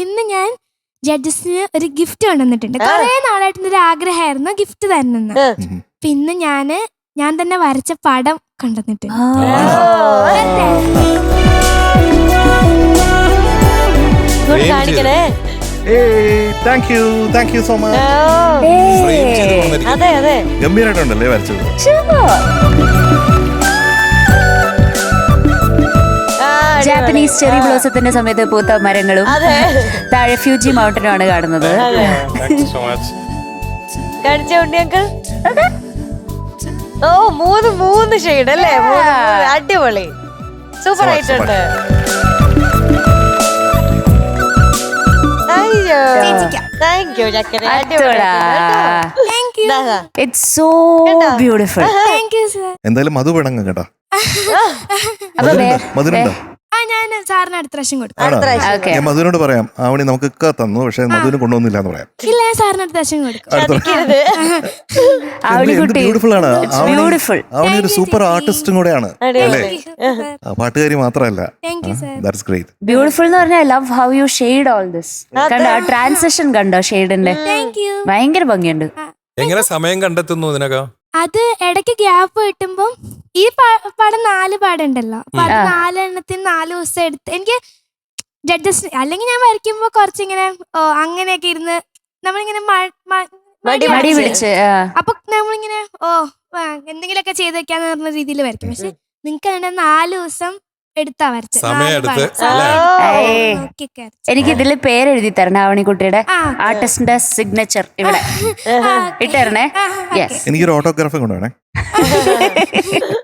ഇന്ന് ഞാൻ ജഡ്ജസിന് ഒരു ഗിഫ്റ്റ് കൊണ്ടുവന്നിട്ടുണ്ട്. കുറെ നാളായിട്ട് ഒരു ആഗ്രഹമായിരുന്നു ഗിഫ്റ്റ് തരുന്നെന്ന്. പിന്നെ ഞാൻ തന്നെ വരച്ച പടം കൊണ്ടുവന്നിട്ടുണ്ട്. കാണിക്കണേ. Thank you so much. അതെ അതെ, ഗംഭീരായിട്ടുണ്ടല്ലേ വരച്ചത്. ജാപ്പനീസ് ചെറി ബ്ലോസത്തിന്റെ സമയത്ത് പൂത്ത മരങ്ങളും താഴെ ഫ്യൂജി മൗണ്ടനും ആണ് കാണുന്നത്. കാണിച്ച ഉണ്ണി അങ്കിൾ. ഓ, മൂന്ന് ഷെയ്ഡ് അല്ലേ? അടിപൊളി, സൂപ്പർ ആയിട്ടുണ്ട്. താങ്ക് യു ചക്കര, ഇറ്റ്സ് സോ ബ്യൂട്ടിഫുൾ. എന്തായാലും മധു പിണങ്ങും കേട്ടോ. മധുരുണ്ടോ? ഞാൻ സാറിന് അടുത്ത പ്രാവശ്യം കൊടുക്കും. ഞാൻ മധുവിനോട് പറയാം, ആവണി നമുക്ക് തന്നു, പക്ഷെ മധുവിന് കൊണ്ടുവന്നില്ല എന്ന് പറയാം. ഇല്ല, ഞാൻ സാറിന് അടുത്ത പ്രാവശ്യം കൊടുക്കും. ബ്യൂട്ടിഫുൾ ആണ് ആവണി. ഒരു സൂപ്പർ ആർട്ടിസ്റ്റും കൂടെയാണ് അല്ലേ? പാട്ടുകാരി മാത്രമല്ല. That's great. ബ്യൂട്ടിഫുൾ എന്ന് പറഞ്ഞാൽ I love how you shade all this. കണ്ടോ ട്രാൻസിഷൻ? കണ്ടോ ഷെയ്ഡിന്റെ? ഭയങ്കര ഭംഗിയുണ്ട്. എങ്ങനെ സമയം കണ്ടെത്തുന്നു ഇതിനൊക്കെ? അത് ഇടയ്ക്ക് ഗ്യാപ്പ് കിട്ടുമ്പോ ഈ പടം 4 പാടുണ്ടല്ലോ, അപ്പൊ അത് 4 എണ്ണത്തിന് 4 ദിവസം എടുത്ത് എനിക്ക് ജഡ്ജസ്, അല്ലെങ്കിൽ ഞാൻ വരയ്ക്കുമ്പോ കുറച്ചിങ്ങനെ അങ്ങനെയൊക്കെ ഇരുന്ന് നമ്മളിങ്ങനെ മടി പിടിച്ച് അപ്പൊ നമ്മളിങ്ങനെ എന്തെങ്കിലുമൊക്കെ ചെയ്ത് വെക്കാന്ന് പറഞ്ഞ രീതിയിൽ വരയ്ക്കും. പക്ഷെ നിങ്ങൾക്ക് 4 ദിവസം എടുത്താ വരച്ചത്. എനിക്ക് ഇതിൽ പേരെഴുതി തരണം ആവണിക്കുട്ടിയുടെ, ആർട്ടിസ്റ്റിന്റെ സിഗ്നേച്ചർ ഇവിടെ ഇട്ടേരണേ. എനിക്കൊരു ഓട്ടോഗ്രാഫും കൊണ്ടുവേണേ.